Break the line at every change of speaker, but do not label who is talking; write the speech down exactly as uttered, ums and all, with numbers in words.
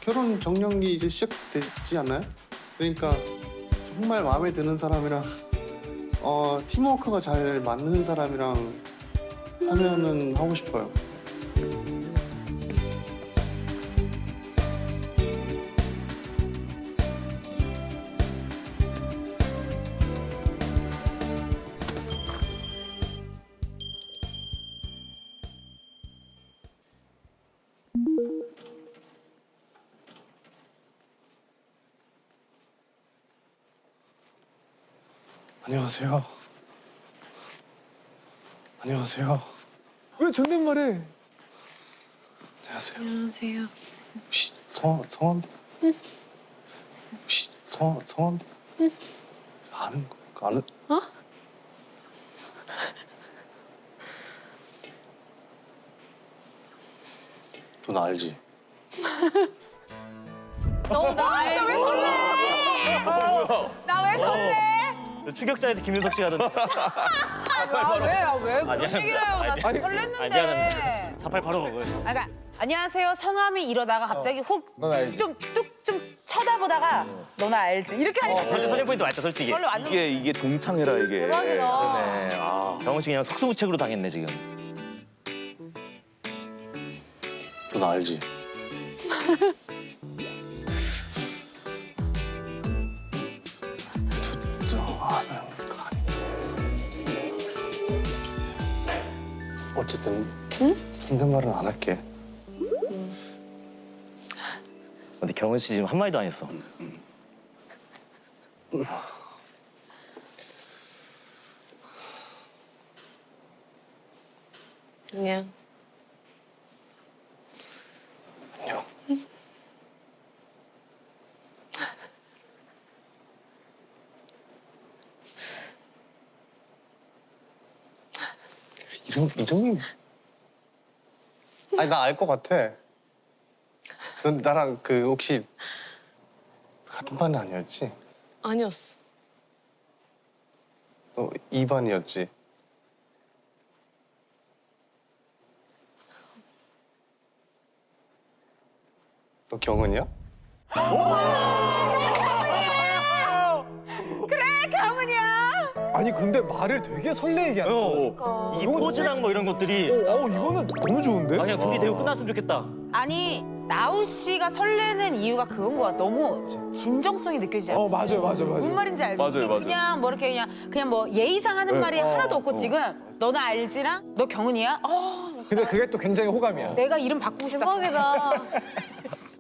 결혼 정년기 이제 시작되지 않나요? 그러니까 정말 마음에 드는 사람이랑 어 팀워크가 잘 맞는 사람이랑 하면은 하고 싶어요. 안녕하세요. 안녕하세요.
왜 존댓말해?
안녕하세요.
안녕하세요.
혹시 성함 성함? 혹시 성 성함? 아는 거 아는?
어?
누나 알지?
너 나 왜 설레? 나 왜 설레?
추격자에서 김윤석 씨 하던데.
아, 왜? 아, 왜 그런
미안합니다.
얘기를 해요? 나
아니,
설렜는데.
아, 미안합니다. 사팔팔오 그거.
아, 그러니까 안녕하세요. 성함이 이러다가 갑자기
넌 알지?
훅 좀 뚝 좀 쳐다보다가 너나 알지? 이렇게 하니까
설레 설레 포인트 맞죠, 솔직히.
원래 완전
이게 이게 동창회라 이게.
대박이다.
네. 아, 병원 씨 그냥 속수무책으로 당했네 지금.
누나 알지? 두정하는 거 아니야. 어쨌든 존댓말은 안 할게.
근데 경은 씨 지금 한 마디도 안 했어.
그냥
안녕. 이름 이름이 아니 나 알 것 같아. 넌 나랑 그 혹시 같은 반 아니었지?
아니었어.
너 이 반이었지? 너 경은이야?
경은이야.
아니 근데 말을 되게 설레게 하네.
어. 이 포즈랑 뭐 이런 것들이.
어, 아우 이거는 너무 좋은데?
아, 그냥 둘이 대고 끝났으면 좋겠다.
아니 나우 씨가 설레는 이유가 그건 것 같아. 너무 진정성이 느껴지지 않아?
어 맞아요, 맞아요, 맞아요.
뭔 말인지 알지?
맞아요,
이게
맞아요.
그냥 뭐 이렇게 그냥 그냥 뭐 예의상 하는
네.
말이
어,
하나도 없고
어.
지금 너나 알지랑 너 경은이야? 어,
근데 그게 또 굉장히 호감이야.
내가 이름 바꾸고 싶다.
대박이다.